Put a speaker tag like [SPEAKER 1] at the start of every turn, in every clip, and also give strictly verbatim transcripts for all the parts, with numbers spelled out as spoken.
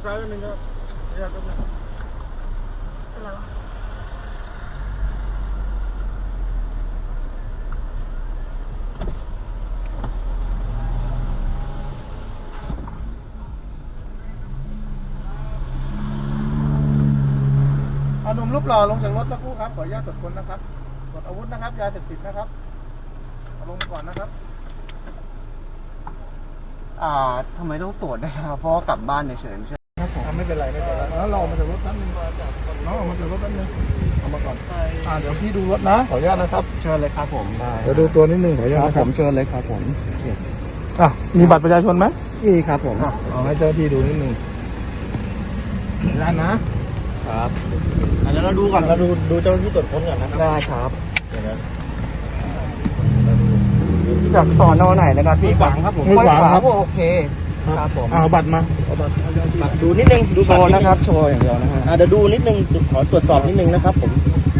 [SPEAKER 1] ซ้ายนิดนึงครับระยะก็ได้อะไรวะหนุ่มรูปหล่อลงจากรถสักครู่ครับขออนุญาตตรวจค้นนะครับตรวจอาวุธนะครับยาเสพติดนะครับเอาลงมาก่อนนะครับ
[SPEAKER 2] อ่าทำไมต้องตรวจได้ครับเพราะกลับบ้านเฉยๆใช่
[SPEAKER 1] ครับผมไม่เป็นไรไม่เป็นไรแล้วเราออกมาจากรถแป๊บนึงน้องออกมาจากรถแป๊บนึงเอามาก่อนอ่าเดี๋ยวพี่ดูรถนะขออนุญาตนะครับ
[SPEAKER 2] เชิญเลยครับผม
[SPEAKER 1] เดี๋ยวดูตัวนิดนึงขออนุญาตนะครับ
[SPEAKER 2] ผมเชิญเลยครับผม
[SPEAKER 1] อ่ะมีบัตรประชาชนไหม
[SPEAKER 2] มีครับผม
[SPEAKER 1] เอาให้เจ้าที่ดูนิดนึงได้นะครับเดี๋ยวเราดูก่อนเราดูดูเจ้าที่ตรวจค้นก่อนนะครับ
[SPEAKER 2] ได้ครับจากสอนอไหนนะครับพี่
[SPEAKER 1] ขวางครับผม
[SPEAKER 2] ขวางครับโอเคครับผม
[SPEAKER 1] เอาบัตรมาเอาบัตรดูนิดนึงดู
[SPEAKER 2] โชว์นะครับโชว์อย่างเดียวนะฮะ
[SPEAKER 1] เดี๋ยวดูนิดนึงขอตรวจสอบนิดนึงนะครับผม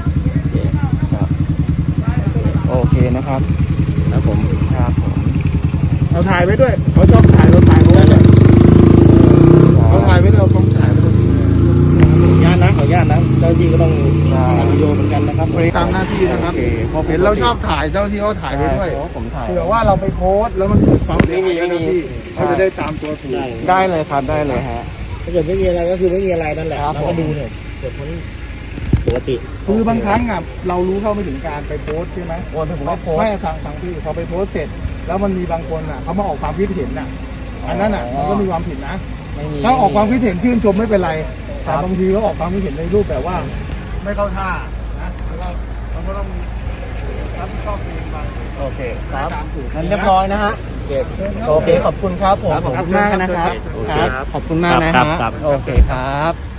[SPEAKER 2] โอเคนะครับ
[SPEAKER 1] ครับผม
[SPEAKER 2] ครับผม
[SPEAKER 1] เอาถ่ายไว้ด้วยเขาชอบถ่ายเราถ่ายไว้เลยเขาถ่ายไว้เราต้องถ่ายไว้ด้วยญาตนะขอญาตนะเจ้าที่ก็ต้องทำวิดีโอเหมือนกันนะครับตามหน้าที่นะครับเห็นเราชอบถ่ายเจ้าที่เขาถ่ายไว้ด้วย
[SPEAKER 2] ผมถ่าย
[SPEAKER 1] เผื่อว่าเราไปโพสแล้วมันเกิดความเสียหายนะพี่เขาจะได้ตามตัวถูก
[SPEAKER 2] ได้เลยครับได้เลยฮะ
[SPEAKER 1] ถ้าเกิดไม่มีอะไรก็คือไม่มีอะไรนั่นแหละเราก็ดูเนี่ยเกิดพ้นปกติคือบางครั้งอ่ะเรารู้เท่าไม่ถึงการไปโพสใช่ไหม
[SPEAKER 2] โอ้ยผมไม่โพส
[SPEAKER 1] ไม่สั่งสั่งที่พอไปโพสเสร็จแล้วมันมีบางคนอ่ะเขามาออกความคิดเห็นอ่ะอันนั้นอ่ะมันก็มีความผิดนะถ้าออกความคิดเห็นชื่นชมไม่เป็นไรแต่บางทีเขาออกความคิดเห็นในรูปแบบว่าไม่เข้าท่านะแล้วก็เราก็ต้องรับผิดชอบเองไป
[SPEAKER 2] โอเคครับงั้นเรียบร้อยนะฮะโอเคขอบคุณครับผมขอบคุณมากนะครับครับขอบคุณมากนะครับโอเคครับ